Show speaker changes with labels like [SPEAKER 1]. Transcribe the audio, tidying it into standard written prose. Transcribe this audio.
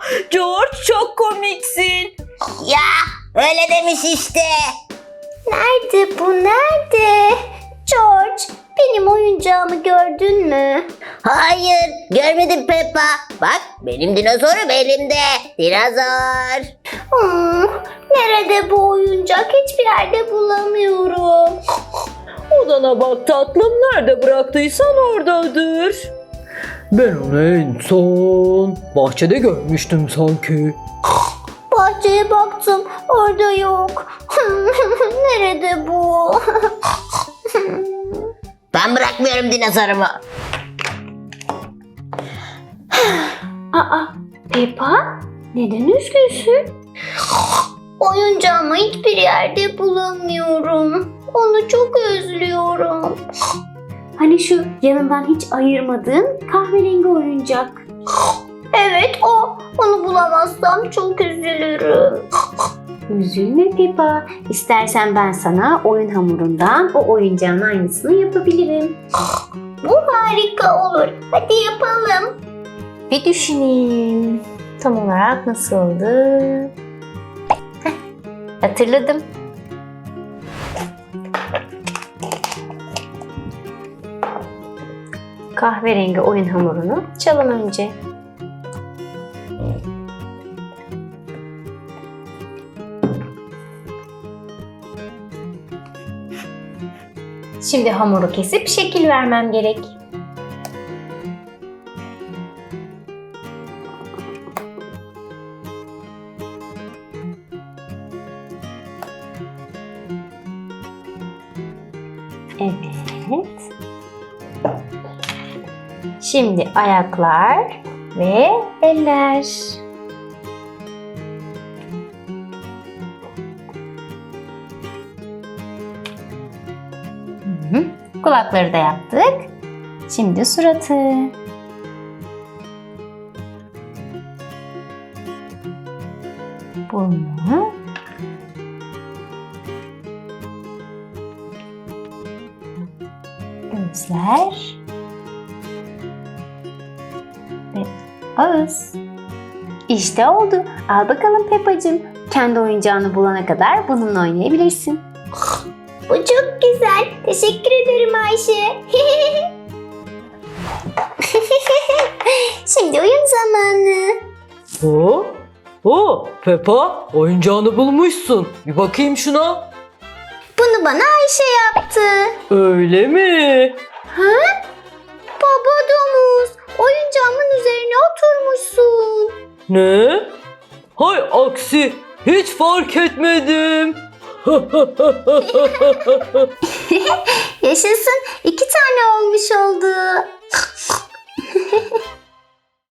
[SPEAKER 1] George çok komiksin.
[SPEAKER 2] Ya öyle demiş işte.
[SPEAKER 3] Nerede bu, nerede? George, benim oyuncağımı gördün mü?
[SPEAKER 2] Hayır görmedim Peppa. Bak benim dinozorum elimde. Dinozor.
[SPEAKER 3] Nerede bu oyuncak? Hiçbir yerde bulamıyorum.
[SPEAKER 1] Odana bak tatlım, nerede bıraktıysan oradadır. Ben onu en son bahçede görmüştüm sanki.
[SPEAKER 3] Bahçeye baktım, orada yok. Nerede bu?
[SPEAKER 2] Ben bırakmıyorum dinozorumu.
[SPEAKER 3] Aa, Peppa, neden üzgünsün? Oyuncağımı hiçbir yerde bulamıyorum. Onu çok özlüyorum. Hani şu yanından hiç ayırmadığın kahverengi oyuncak. Evet o. Onu bulamazsam çok üzülürüm. Üzülme Peppa. İstersen ben sana oyun hamurundan o oyuncağın aynısını yapabilirim. Bu harika olur. Hadi yapalım. Bir düşüneyim. Tam olarak nasıldı? Hatırladım. Kahverengi oyun hamurunu açalım önce. Şimdi hamuru kesip şekil vermem gerek. Evet. Şimdi ayaklar ve eller. Kulakları da yaptık. Şimdi suratı. Burnu. Gözler. Ve ağız. İşte oldu. Al bakalım Peppa'cığım. Kendi oyuncağını bulana kadar bununla oynayabilirsin. Bu çok güzel. Teşekkür ederim Ayşe. Şimdi oyun zamanı.
[SPEAKER 1] Peppa, oyuncağını bulmuşsun. Bir bakayım şuna.
[SPEAKER 3] Bunu bana Ayşe yaptı.
[SPEAKER 1] Öyle mi?
[SPEAKER 3] Ha? Baba domuz, oyuncağımın üzerine oturmuşsun.
[SPEAKER 1] Ne? Hay aksi, hiç fark etmedim.
[SPEAKER 3] Yaşasın, 2 tane olmuş oldu.